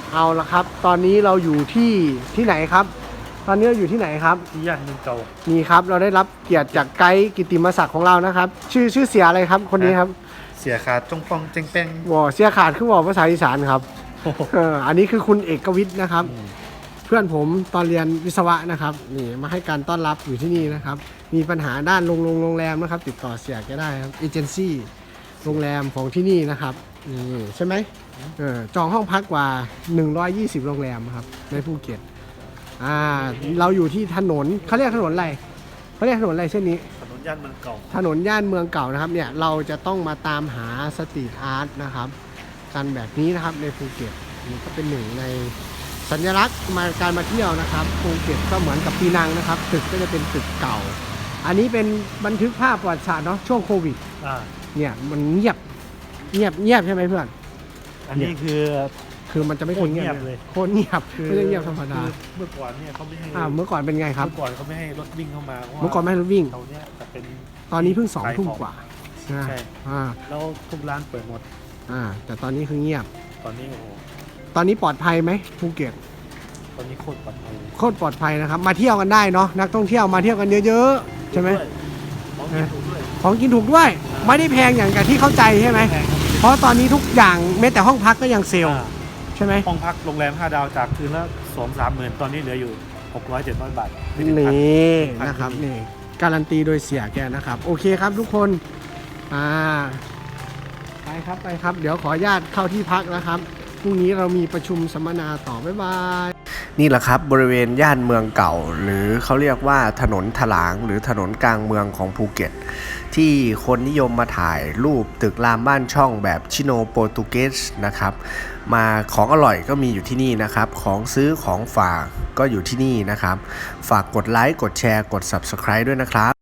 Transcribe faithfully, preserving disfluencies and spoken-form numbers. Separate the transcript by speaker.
Speaker 1: เอาละครับตอนนี้เราอยู่ที่ที่ไหนครับตอนนี้เราอยู่ที่ไหนครับ
Speaker 2: ที่ย่านเมืองเก่า
Speaker 1: นี่ครับเราได้รับเกียรติจากไกด์กิตติมศักดิ์ของเรานะครับชื่อชื่อเสียอะไรครับคนนี้ครับ
Speaker 2: เสียขาดจงปองเจงเป้ง
Speaker 1: วอเสียขาดขึ้นวอภาษาอีสานครับเอออันนี้คือคุณเอกวิทย์นะครับเพื่อนผมตอนเรียนวิศวะนะครับนี่มาให้การต้อนรับอยู่ที่นี่นะครับมีปัญหาด้านโรงโรงแรมนะครับติดต่อเสียแกได้ครับเอเจนซี่โรงแรมของที่นี่นะครับนี่ใช่ไหมเออจองห้องพักกว่าหนึ่งร้อยยี่สิบโรงแรมครับในภูเก็ตอ่าเราอยู่ที่ถนนเขาเรียกถนนอะไรเขาเรียกถนนอะไรเช่นนี้
Speaker 2: ถนนย่านเมืองเก่า
Speaker 1: ถนนย่านเมืองเก่านะครับเนี่ยเราจะต้องมาตามหาสตรีทอาร์ตนะครับกันแบบนี้นะครับในภูเก็ตนี่ก็เป็นหนึ่งในสัญลักษณ์มาการมาเที่ยวนะครับภูเก็ตก็เหมือนกับปีนังนะครับตึกก็จะเป็นตึกเก่าอันนี้เป็นบันทึกภาพประวัติศาสตร์เนาะช่วงโควิดเนี่ยมันเงียบเงียบเงียบใช่ไหมเพื่อน
Speaker 2: อันนี้คือ
Speaker 1: คือมันจะไม่คนเงียบเลยโคตรเงียบไม่ได้เงียบธรรมดา
Speaker 2: เมื่อก่อนเนี่ยเขาไม่ให้
Speaker 1: อ่าเมื่อก่อนเป็นไงครับ
Speaker 2: เมื่อก่อนเขาไม่ให้รถวิ่งเข้ามา
Speaker 1: เมื่อก่อนไม่ให้รถวิ่ง
Speaker 2: ตอนนี้จะเป็น
Speaker 1: ตอนนี้เพิ่งสองทุ่มกว่า
Speaker 2: ใช่
Speaker 1: อ่า
Speaker 2: แล้วทุกร้านเปิดหมด
Speaker 1: อ่าแต่ตอนนี้คือเงียบ
Speaker 2: ตอนนี้โอ้โห
Speaker 1: ตอนนี้ปลอดภัยไหมภูเก็ต
Speaker 2: ตอนนี้โคตรปลอดภัย
Speaker 1: โคตรปลอดภัยนะครับมาเที่ยวกันได้เนาะนักท่องเที่ยวมาเที่ยวกันเยอะๆใช่ไหมของกินถูกด้วยไม่ได้แพงอย่างกับที่เข้าใจใช่ไหมเพราะตอนนี้ทุกอย่างแม้แต่ห้องพักก็ยังเซลล์ใช่ไหม
Speaker 2: ห้องพักโรงแรมห้าดาวจากคืนละสองสามหมื่นตอนนี้เหลืออยู่หกร้อยเจ็ดร้อยบาท
Speaker 1: นี่นะครับนี่การันตีโดยเสียแกนะครับโอเคครับทุกคนอ่าไปครับไปครับเดี๋ยวขออนุญาตเข้าที่พักนะครับพรุ่งนี้เรามีประชุมสัมมนาต่อบ๊ายบายนี่แหละครับบริเวณย่านเมืองเก่าหรือเขาเรียกว่าถนนถลางหรือถนนกลางเมืองของภูเก็ตที่คนนิยมมาถ่ายรูปตึกรามบ้านช่องแบบชิโนโปรตุเกสนะครับมาของอร่อยก็มีอยู่ที่นี่นะครับของซื้อของฝากก็อยู่ที่นี่นะครับฝากกดไลค์กดแชร์กด ซับสไครบ์ ด้วยนะครับ